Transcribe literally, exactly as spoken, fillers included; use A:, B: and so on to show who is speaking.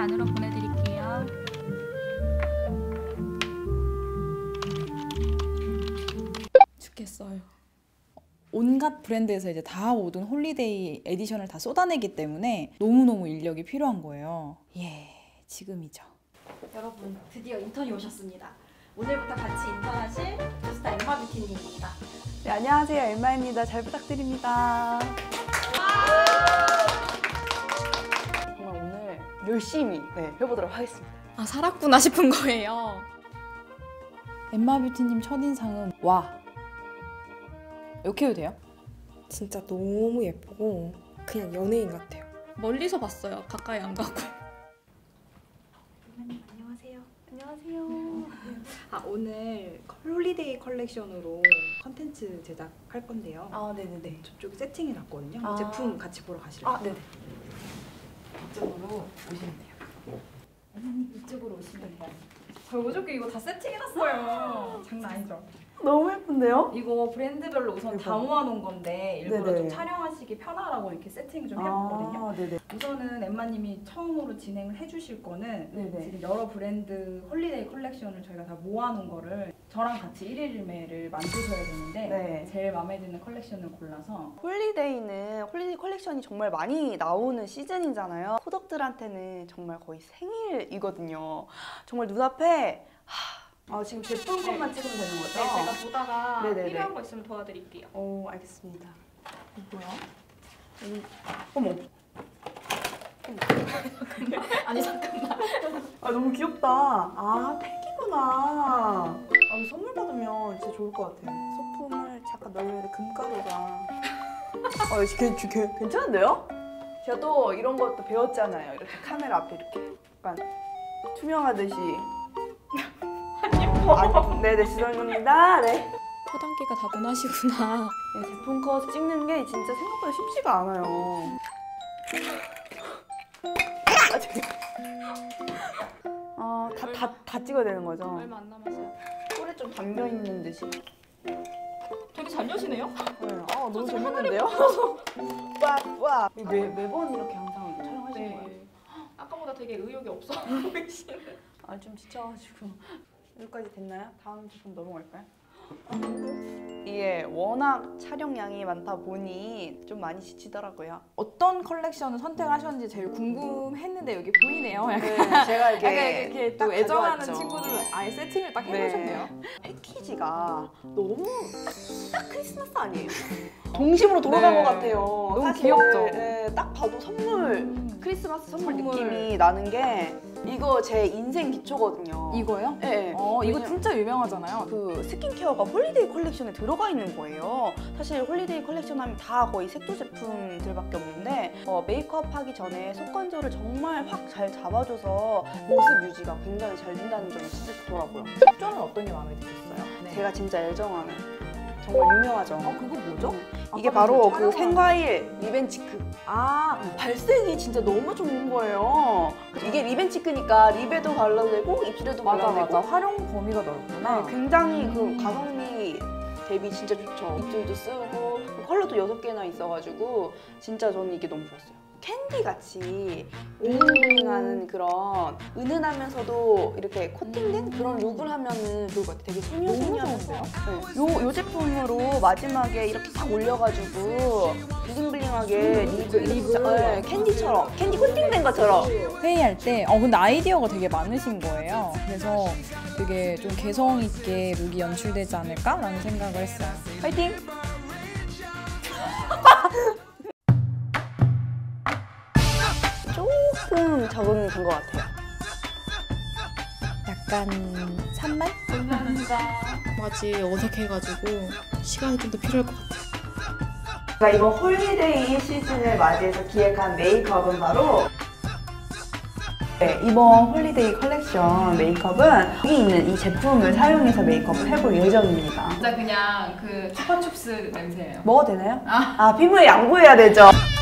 A: 안으로 보내드릴게요.
B: 죽겠어요. 온갖 브랜드에서 이제 다 모든 홀리데이 에디션을 다 쏟아내기 때문에 너무너무 인력이 필요한 거예요. 예, 지금이죠.
C: 여러분, 드디어 인턴이 오셨습니다. 오늘부터 같이 인턴하실 주스타 엠마 뷰티님입니다.
D: 네, 안녕하세요. 엠마입니다. 잘 부탁드립니다. 정말 오늘 열심히 네, 해보도록 하겠습니다.
B: 아, 살았구나 싶은 거예요. 엠마 뷰티님 첫인상은 와. 이렇게 해도 돼요?
E: 진짜 너무 예쁘고 그냥 연예인 같아요.
B: 멀리서 봤어요. 가까이 안 가고.
F: 안녕하세요. 안녕하세요. 아, 오늘 홀리데이 컬렉션으로 컨텐츠 제작할 건데요.
D: 아, 네네네.
F: 저쪽에 세팅해 놨거든요.
D: 아.
F: 제품 같이 보러 가실래요?
D: 아, 네네. 이쪽으로 오시면 돼요.
C: 어머님, 이쪽으로 오시면 돼요. 저 어저께 이거 다 세팅해놨어요. 장난 아니죠?
D: 너무 예쁜데요?
C: 이거 브랜드별로 우선 다 모아놓은 건데 일부러
D: 네네.
C: 좀 촬영하시기 편하라고 이렇게 세팅을 좀 해봤거든요.
D: 아, 네네.
C: 우선은 엠마님이 처음으로 진행을 해주실 거는
D: 네네.
C: 지금 여러 브랜드 홀리데이 컬렉션을 저희가 다 모아놓은 거를 저랑 같이 일일매를 만드셔야 되는데
D: 네.
C: 제일 마음에 드는 컬렉션을 골라서
D: 홀리데이는 홀리데이 컬렉션이 정말 많이 나오는 시즌이잖아요. 코덕들한테는 정말 거의 생일이거든요. 정말 눈앞에 하, 아, 지금 제품 것만 찍으면 되는 거죠?
C: 네, 제가 보다가
D: 네네네.
C: 필요한 거 있으면 도와드릴게요.
D: 오, 알겠습니다. 이거 뭐야? 음, 어머.
C: 아니 잠깐만.
D: 아, 너무 귀엽다. 아, 팩이구나. 아, 이거 선물 받으면 진짜 좋을 것 같아요. 소품을 잠깐 넣어야 돼. 금가루가. 아, 이거 괜, 괜, 괜찮은데요? 제가 또 이런 것도 배웠잖아요. 이렇게 카메라 앞에 이렇게 약간 투명하듯이. 아, 네네, 죄송합니다. 네.
B: 포단기가 다분하시구나.
D: 네, 제품 컷 찍는 게 진짜 생각보다 쉽지가 않아요. 아, 저기. 어, 다, 다, 다 찍어야 되는 거죠?
C: 얼마 안 남았어요.
D: 꿀에 좀 담겨 있는 듯이.
C: 되게 잘 여시네요?
D: 네. 아, 너무 재밌는데요? 와, 와. 매, 매번 이렇게 항상 촬영하시는 거예요?
C: 아까보다 되게 의욕이 없어 보이시네.
D: 아, 좀 지쳐가지고. 여기까지 됐나요? 다음 제품 넘어갈까요? 이게 워낙 촬영량이 많다 보니 좀 많이 지치더라고요.
B: 어떤 컬렉션을 선택하셨는지 제일 궁금했는데 여기 보이네요. 약간,
D: 네, 제가 이렇게,
B: 약간 이렇게 또
D: 딱
B: 애정하는
D: 가져왔죠.
B: 친구들 아예 세팅을 딱
D: 네.
B: 해놓으셨네요.
D: 패키지가 너무 딱 크리스마스 아니에요? 동심으로 돌아간
B: 네.
D: 것 같아요.
B: 너무
D: 사실,
B: 귀엽죠?
D: 네, 딱 봐도 선물,
B: 음.
D: 크리스마스 선물,
B: 선물.
D: 느낌이 나는 게 이거 제 인생 기초거든요.
B: 이거요?
D: 네.
B: 어, 이거
D: 왜냐-
B: 진짜 유명하잖아요.
D: 그 스킨케어가 홀리데이 컬렉션에 들어가 있는 거예요. 사실 홀리데이 컬렉션 하면 다 거의 색조 제품들밖에 없는데 어, 메이크업 하기 전에 속 건조를 정말 확 잘 잡아줘서 모습 유지가 굉장히 잘 된다는 점이 진짜 좋더라고요.
B: 색조는 어떤 게 마음에 드셨어요? 네.
D: 제가 진짜 애정하는 정말 유명하죠.
B: 어, 그거 뭐죠?
D: 이게
B: 아까
D: 바로
B: 그
D: 그
B: 촬영한-
D: 생과일 리벤치크.
B: 아,
D: 발색이 진짜 너무 좋은 거예요. 이게 리벤치크니까 립에도 발라도 되고 입술에도
B: 맞아
D: 발라도
B: 맞아.
D: 되고
B: 활용 범위가 넓구나.
D: 네, 굉장히 그
B: 음.
D: 가성비 대비 진짜 좋죠. 입술도 쓰고 컬러도 여섯 개나 있어가지고 진짜 저는 이게 너무 좋았어요. 캔디 같이 블링블링하는 그런 은은하면서도 이렇게 코팅된 그런 룩을 하면은 좋을 것 같아요. 되게 소녀소녀하면서. 네. 요, 요 제품으로 마지막에 이렇게 딱 올려가지고 블링블링하게 립을 립을 네, 캔디처럼 캔디 코팅된 것처럼.
B: 회의할 때, 어 근데 아이디어가 되게 많으신 거예요. 그래서 되게 좀 개성 있게 룩이 연출되지 않을까라는 생각을 했어요.
D: 화이팅! 조금 적은 된 것 같아요.
B: 약간 산말?
C: 감사합니다.
E: 아직 어색해가지고 시간이 좀 더 필요할 것 같아요.
D: 제가 이번 홀리데이 시즌을 맞이해서 기획한 메이크업은 바로 네, 이번 홀리데이 컬렉션 메이크업은 여기 있는 이 제품을 사용해서 메이크업을 해볼 예정입니다.
C: 진짜 그냥 그 추파춥스 냄새예요.
D: 먹어도 되나요? 아, 아 피부에 양보해야 되죠.